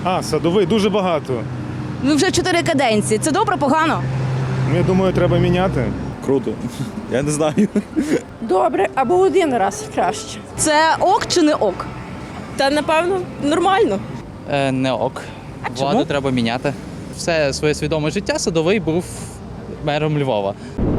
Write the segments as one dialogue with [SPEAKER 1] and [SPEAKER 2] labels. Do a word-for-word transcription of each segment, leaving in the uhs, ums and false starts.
[SPEAKER 1] А, Садовий дуже багато.
[SPEAKER 2] Ну вже чотири каденції. Це добре, погано?
[SPEAKER 1] Ну, я думаю, треба міняти.
[SPEAKER 3] Круто. Я не знаю.
[SPEAKER 4] Добре, або один раз краще.
[SPEAKER 2] Це ок чи не ок?
[SPEAKER 4] Та напевно нормально.
[SPEAKER 5] Е, не ок. Владу
[SPEAKER 2] чому?
[SPEAKER 5] треба міняти. Все своє свідоме життя Садовий був мером Львова.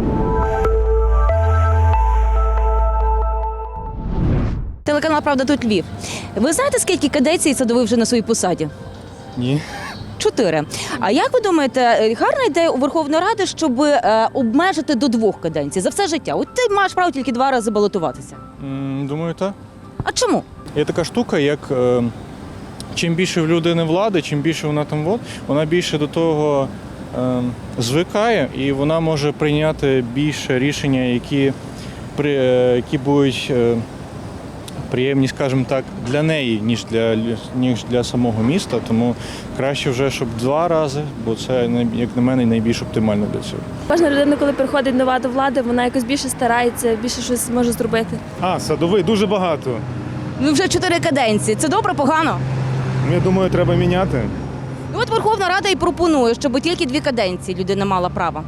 [SPEAKER 2] Телеканал «Правда» тут Львів. Ви знаєте, скільки каденцій Садовий вже на своїй посаді?
[SPEAKER 1] Ні.
[SPEAKER 2] Чотири. А як ви думаєте, гарна ідея у Верховної Ради, щоб е, обмежити до двох каденцій за все життя? От ти маєш право тільки два рази балотуватися.
[SPEAKER 6] М, Думаю, так.
[SPEAKER 2] А чому?
[SPEAKER 6] Є така штука, як е, чим більше в людини влади, чим більше вона там вод, вона більше до того е, звикає, і вона може прийняти більше рішення, які, при, е, які будуть е, приємні, скажімо так, для неї, ніж для, ніж для самого міста. Тому краще вже, щоб два рази, бо це, як на мене, найбільш оптимально для цього.
[SPEAKER 7] Кожна людина, коли приходить нова до влади, вона якось більше старається, більше щось може зробити.
[SPEAKER 1] А, Садовий дуже багато.
[SPEAKER 2] Ну вже чотири каденції. Це добре, погано?
[SPEAKER 1] Ну, я думаю, треба міняти.
[SPEAKER 2] Ну от Верховна Рада і пропонує, щоб тільки дві каденції людина мала право.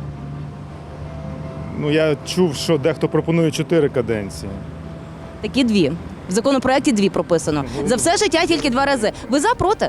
[SPEAKER 1] Ну, я чув, що дехто пропонує чотири каденції.
[SPEAKER 2] Такі дві. В законопроекті дві прописано. За все життя тільки два рази. Ви за, проти?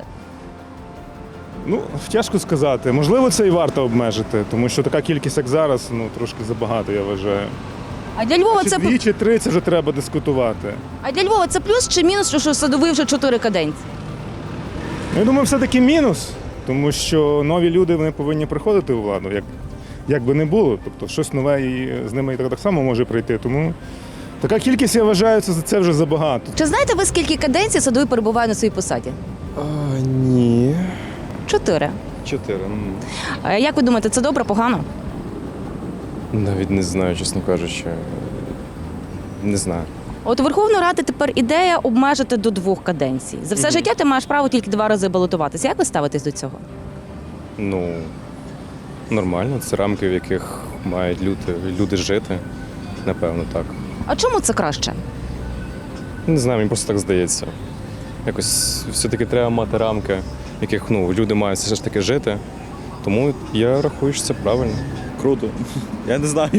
[SPEAKER 1] Ну, тяжко сказати. Можливо, це і варто обмежити, тому що така кількість, як зараз, ну, трошки забагато, я вважаю.
[SPEAKER 2] А для Львова
[SPEAKER 1] Чи
[SPEAKER 2] це
[SPEAKER 1] дві, чи три, це вже треба дискутувати.
[SPEAKER 2] а для Львова це плюс чи мінус, що- що Садовий вже чотири каденції?
[SPEAKER 1] Ну, я думаю, все-таки мінус, тому що нові люди вони повинні приходити у владу, як, як би не було. Тобто щось нове і з ними і так, так само може прийти. Тому така кількість, я вважаю, це, це вже забагато.
[SPEAKER 2] Чи знаєте ви, скільки каденцій Садовий перебуває на своїй посаді?
[SPEAKER 3] А, ні.
[SPEAKER 2] Чотири.
[SPEAKER 3] Чотири.
[SPEAKER 2] А як ви думаєте, це добре, погано?
[SPEAKER 3] Навіть не знаю, чесно кажучи. Не знаю.
[SPEAKER 2] От у Верховної Ради тепер ідея обмежити до двох каденцій. За все життя ти маєш право тільки два рази балотуватися. Як ви ставитесь до цього?
[SPEAKER 3] Ну, нормально. Це рамки, в яких мають люди, люди жити. Напевно, так.
[SPEAKER 2] А чому це краще?
[SPEAKER 3] Не знаю, мені просто так здається. Якось все-таки треба мати рамки, в яких ну, люди мають все ж таки жити. Тому я рахую, що це правильно.
[SPEAKER 8] Круто. Я не знаю.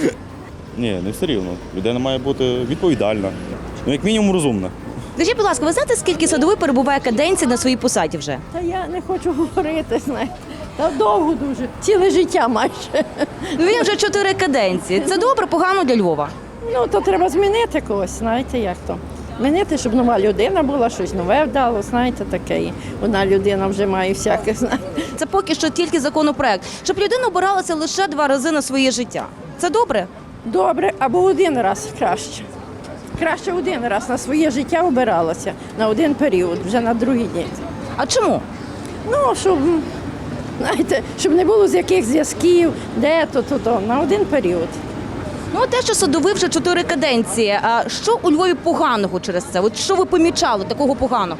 [SPEAKER 8] Ні, не все рівно. Людина має бути відповідальна. Ну, як мінімум, розумна.
[SPEAKER 2] Скажіть, будь ласка, ви знаєте, скільки Садовий перебуває каденцій на своїй посаді вже?
[SPEAKER 4] Та я не хочу говорити, знаєте. Та довго дуже. Ціле життя майже.
[SPEAKER 2] Ну він вже чотири каденції. Це добре, погано для Львова.
[SPEAKER 4] Ну, то треба змінити когось, знаєте, як то. Змінити, щоб нова людина була, щось нове вдало, знаєте, таке. І одна людина вже має всяке, знаєте.
[SPEAKER 2] Це поки що тільки законопроект, щоб людина обиралася лише два рази на своє життя. Це добре?
[SPEAKER 4] Добре, або один раз краще. Краще один раз на своє життя обиралася, на один період, вже на другий день.
[SPEAKER 2] А чому?
[SPEAKER 4] Ну, щоб, знаєте, щоб не було з яких зв'язків, де то, то, то, на один період.
[SPEAKER 2] Ну, те, що Садовий вже чотири каденції. А що у Львові поганого через це? От що ви помічали такого поганого?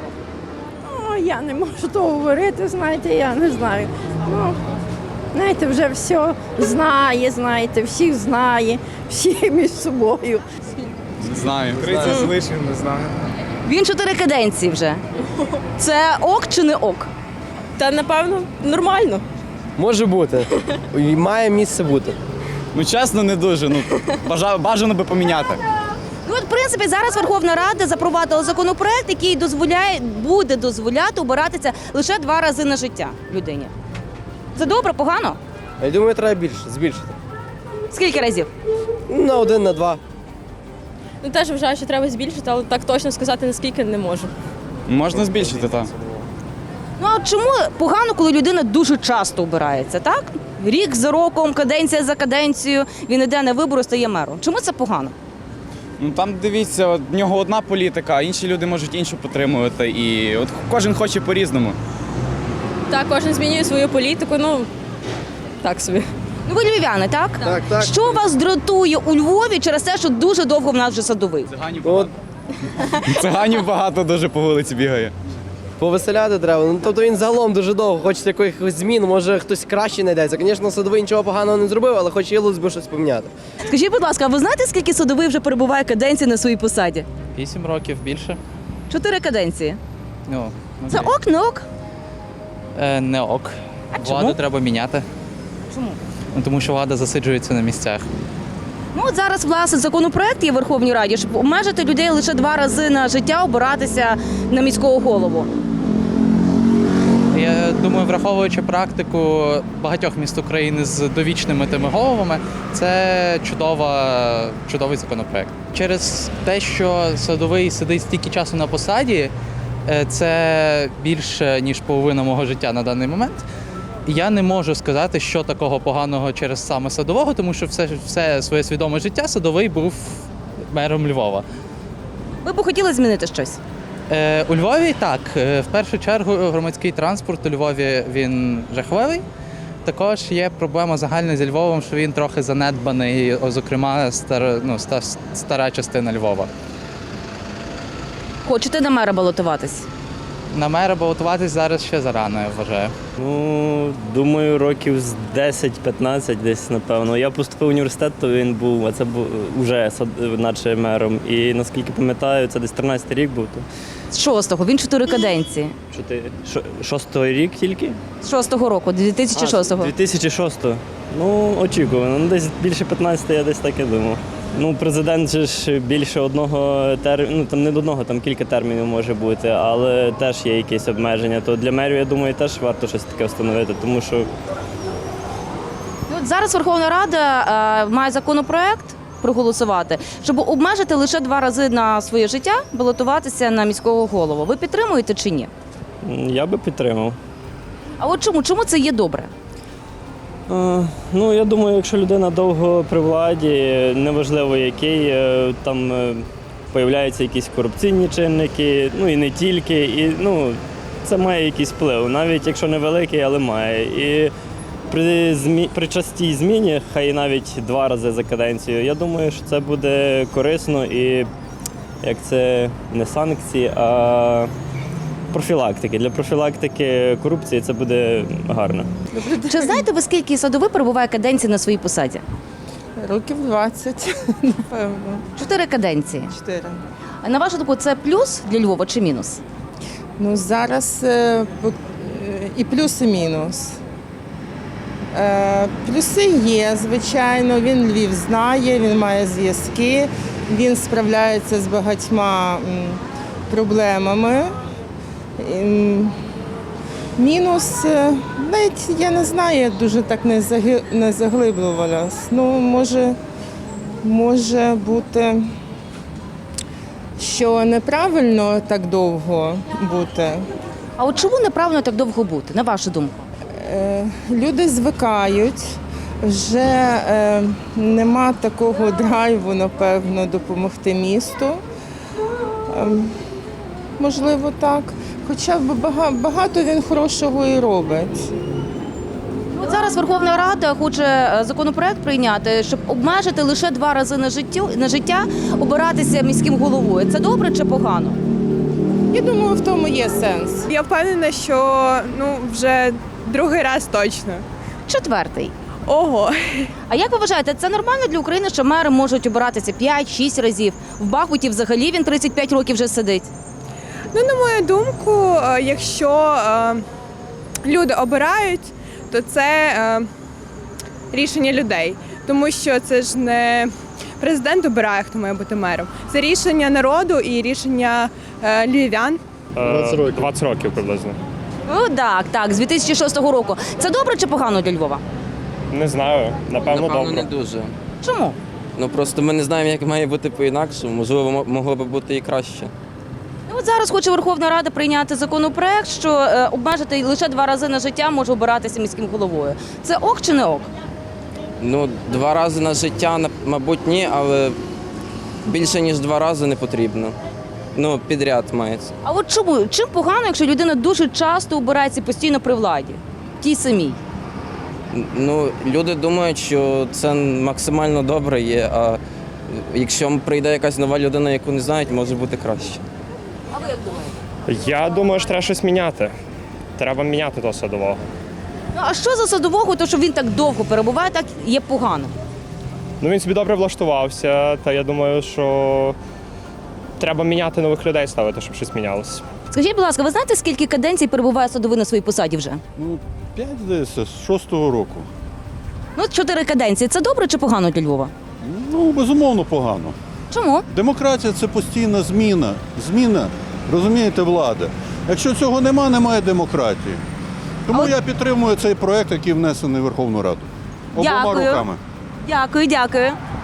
[SPEAKER 4] О, я не можу того говорити, знаєте, я не знаю. Ну, знаєте, вже все знає, знаєте, всіх знає, всі між собою.
[SPEAKER 5] Знаю.
[SPEAKER 1] тридцять з лишнім, не знаю.
[SPEAKER 2] Він чотири каденції вже. Це ок чи не ок?
[SPEAKER 4] Та, напевно, нормально.
[SPEAKER 9] Може бути. І має місце бути.
[SPEAKER 8] Ну, чесно, не дуже. Ну, бажа- бажано би поміняти.
[SPEAKER 2] Ну, от, в принципі, зараз Верховна Рада запровадила законопроект, який дозволяє, буде дозволяти обиратися лише два рази на життя людині. Це добре, погано?
[SPEAKER 9] Я думаю, треба більше, збільшити.
[SPEAKER 2] Скільки разів?
[SPEAKER 9] На один, на два.
[SPEAKER 7] Ну теж вважаю, що треба збільшити, але так точно сказати наскільки не можу.
[SPEAKER 8] Можна збільшити, так.
[SPEAKER 2] Ну, а чому погано, коли людина дуже часто обирається, так? Рік за роком, каденція за каденцією, він іде на вибори, стає мером. Чому це погано?
[SPEAKER 8] Ну, там, дивіться, от, в нього одна політика, а інші люди можуть іншу підтримувати. І от кожен хоче по-різному.
[SPEAKER 7] Так, кожен змінює свою політику, ну так собі.
[SPEAKER 2] Ну, ви львів'яни, так?
[SPEAKER 9] Так, так.
[SPEAKER 2] Що вас дратує у Львові через те, що дуже довго в нас вже Садовий?
[SPEAKER 8] Циганів
[SPEAKER 9] От
[SPEAKER 8] багато. Циганів багато дуже по вулиці бігає.
[SPEAKER 9] повеселяти треба. Ну, тобто він загалом дуже довго, хочеться якихось змін, може хтось краще знайдеться. Звісно, Садовий нічого поганого не зробив, але хотілося б щось поміняти.
[SPEAKER 2] Скажіть, будь ласка, а ви знаєте, скільки Садовий вже перебуває каденції на своїй посаді?
[SPEAKER 5] Вісім років більше.
[SPEAKER 2] Чотири каденції.
[SPEAKER 5] Ну,
[SPEAKER 2] Це ок, не ок?
[SPEAKER 5] Е, не ок.
[SPEAKER 2] А
[SPEAKER 5] Владу
[SPEAKER 2] чому?
[SPEAKER 5] треба міняти,
[SPEAKER 2] Чому?
[SPEAKER 5] ну, тому що влада засиджується на місцях.
[SPEAKER 2] Ну от зараз власне законопроект є в Верховній Раді, щоб обмежити людей лише два рази на життя обиратися на міського голову.
[SPEAKER 5] Я думаю, враховуючи практику багатьох міст України з довічними тими головами, це чудова, чудовий законопроект. Через те, що Садовий сидить стільки часу на посаді, е, це більше, ніж половина мого життя на даний момент. Я не можу сказати, що такого поганого через саме Садового, тому що все, все своє свідоме життя Садовий був мером Львова.
[SPEAKER 2] Ви б хотіли змінити щось?
[SPEAKER 5] Е, у Львові так. Е, В першу чергу громадський транспорт у Львові він жахливий. Також є проблема загальна зі Львовом, що він трохи занедбаний, о, зокрема стар, ну, ста- стара частина Львова.
[SPEAKER 2] Хочете на мера балотуватись?
[SPEAKER 5] На мера балотуватись зараз ще зарано, я вважаю.
[SPEAKER 10] Ну, думаю, років з десять-п'ятнадцять десь, напевно. Я поступив в університет, то він був, а це був уже сад- наче мером. І наскільки пам'ятаю, це десь тринадцятий рік був. То
[SPEAKER 2] З шостого, він чотири каденції.
[SPEAKER 10] чотири, шо- шостий рік тільки?
[SPEAKER 2] З шостого року, дві тисячі шостого.
[SPEAKER 10] дві тисячі шостого. Ну, очікувано. Ну, десь більше п'ятнадцяти, я десь так і думав. Ну, президент же ж більше одного терміну, ну там не до одного, там кілька термінів може бути, але теж є якісь обмеження. То для мерів, я думаю, теж варто щось таке встановити, тому що
[SPEAKER 2] Ну, от зараз Верховна Рада е, має законопроект проголосувати, щоб обмежити лише два рази на своє життя балотуватися на міського голову. Ви підтримуєте чи ні?
[SPEAKER 10] м, я би підтримав.
[SPEAKER 2] А от чому? Чому це є добре?
[SPEAKER 10] Е, Ну, я думаю, якщо людина довго при владі, неважливо який, е, там е, появляються якісь корупційні чинники, ну і не тільки, і ну, це має якийсь вплив, навіть якщо невеликий, але має. І при, змі... при частій зміні, хай навіть два рази за каденцію, я думаю, що це буде корисно і як це не санкції, а профілактики. Для профілактики корупції це буде гарно.
[SPEAKER 2] Чи знаєте ви, скільки Садовий перебуває каденцій на своїй посаді?
[SPEAKER 11] Років двадцять, напевно.
[SPEAKER 2] Чотири каденції.
[SPEAKER 11] Чотири.
[SPEAKER 2] А на вашу думку, це плюс для Львова чи мінус?
[SPEAKER 11] Ну, зараз е, по- е, і плюс, і мінус. Е, Плюси є, звичайно, він Львів знає, він має зв'язки, він справляється з багатьма м, проблемами. Ем, Мінус, е, навіть я не знаю, я дуже так не заги- не заглиблювалась. Ну, може, може бути, що неправильно так довго бути.
[SPEAKER 2] А от чому неправильно так довго бути, на вашу думку?
[SPEAKER 11] Е, Люди звикають, вже е, нема такого драйву, напевно, допомогти місту. Е, Можливо, так. Хоча б бага- багато він хорошого і робить.
[SPEAKER 2] От зараз Верховна Рада хоче е, законопроект прийняти, щоб обмежити лише два рази на життю на життя обиратися міським головою. Це добре чи погано?
[SPEAKER 11] Я думаю, в тому є сенс.
[SPEAKER 12] Я впевнена, що ну вже другий раз точно.
[SPEAKER 2] Четвертий.
[SPEAKER 12] Ого.
[SPEAKER 2] А як ви вважаєте, це нормально для України, що мери можуть обиратися п'ять-шість разів? В Бахмуті взагалі він тридцять п'ять років вже сидить.
[SPEAKER 12] Ну, на мою думку, е, якщо е, люди обирають, то це е, рішення людей. Тому що це ж не президент обирає, хто має бути мером. Це рішення народу і рішення е, львів'ян.
[SPEAKER 1] двадцять років. двадцять років приблизно.
[SPEAKER 2] Ну так, так, з дві тисячі шостого року. Це добре чи погано для Львова?
[SPEAKER 1] Не знаю, напевно,
[SPEAKER 13] Напевно,
[SPEAKER 1] добре.
[SPEAKER 13] не дуже.
[SPEAKER 2] Чому?
[SPEAKER 13] Ну просто ми не знаємо, як має бути по-інакшому. Можливо, мо- могло би бути і краще.
[SPEAKER 2] Ну, от зараз хоче Верховна Рада прийняти законопроект, що е, обмежити лише два рази на життя може обиратися міським головою. Це ок чи не ок?
[SPEAKER 13] Ну, два рази на життя, на- мабуть, ні, але більше ніж два рази не потрібно. Ну, підряд мається.
[SPEAKER 2] А от чому? Чим погано, якщо людина дуже часто обирається і постійно при владі? Тій самій.
[SPEAKER 13] Ну, люди думають, що це максимально добре є, а якщо прийде якась нова людина, яку не знають, може бути краще.
[SPEAKER 2] А ви як думаєте?
[SPEAKER 3] Я думаю, що треба щось міняти. Треба міняти того Садового.
[SPEAKER 2] Ну, а що за Садового, то що він так довго перебуває, так є погано?
[SPEAKER 3] Ну він собі добре влаштувався, та я думаю, що треба міняти нових людей ставити, щоб щось мінялося.
[SPEAKER 2] Скажіть, будь ласка, ви знаєте, скільки каденцій перебуває Садовий на своїй посаді вже?
[SPEAKER 14] Ну, п'ять, здається, з шостого року.
[SPEAKER 2] Ну, чотири каденції. Це добре чи погано для Львова?
[SPEAKER 14] Ну, безумовно, погано.
[SPEAKER 2] Чому?
[SPEAKER 14] Демократія – це постійна зміна. Зміна, розумієте, влади. Якщо цього нема, немає демократії. Тому
[SPEAKER 2] А от-
[SPEAKER 14] я підтримую цей проект, який внесений в Верховну Раду. Обома
[SPEAKER 2] Дякую.
[SPEAKER 14] руками.
[SPEAKER 2] Дякую, дякую.